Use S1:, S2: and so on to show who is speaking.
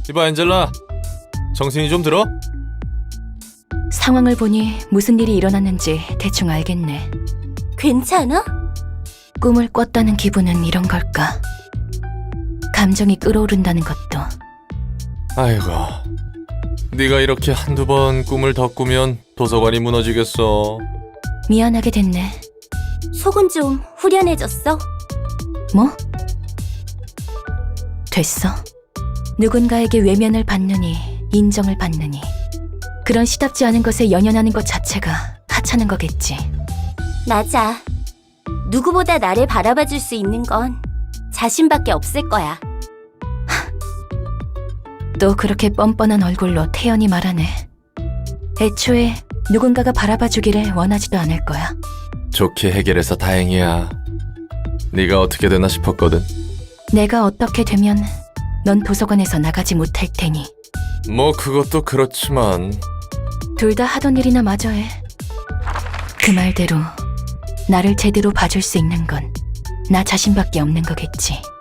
S1: 이봐 엔젤라, 정신이 좀 들어?
S2: 상황을 보니 무슨 일이 일어났는지 대충 알겠네.
S3: 괜찮아?
S2: 꿈을 꿨다는 기분은 이런 걸까? 감정이 끓어오른다는 것도.
S1: 아이고, 네가 이렇게 한두 번 꿈을 더 꾸면 도서관이 무너지겠어.
S2: 미안하게 됐네.
S3: 속은 좀 후련해졌어?
S2: 뭐? 됐어. 누군가에게 외면을 받느니 인정을 받느니 그런 시답지 않은 것에 연연하는 것 자체가 하찮은 거겠지.
S3: 맞아. 누구보다 나를 바라봐줄 수 있는 건 자신밖에 없을 거야.
S2: 또 그렇게 뻔뻔한 얼굴로 태연히 말하네. 애초에 누군가가 바라봐주기를 원하지도 않을 거야.
S1: 좋게 해결해서 다행이야. 네가 어떻게 되나 싶었거든.
S2: 내가 어떻게 되면 넌 도서관에서 나가지 못할 테니.
S1: 뭐 그것도 그렇지만
S2: 둘 다 하던 일이나 마저 해. 그 말대로 나를 제대로 봐줄 수 있는 건 나 자신밖에 없는 거겠지.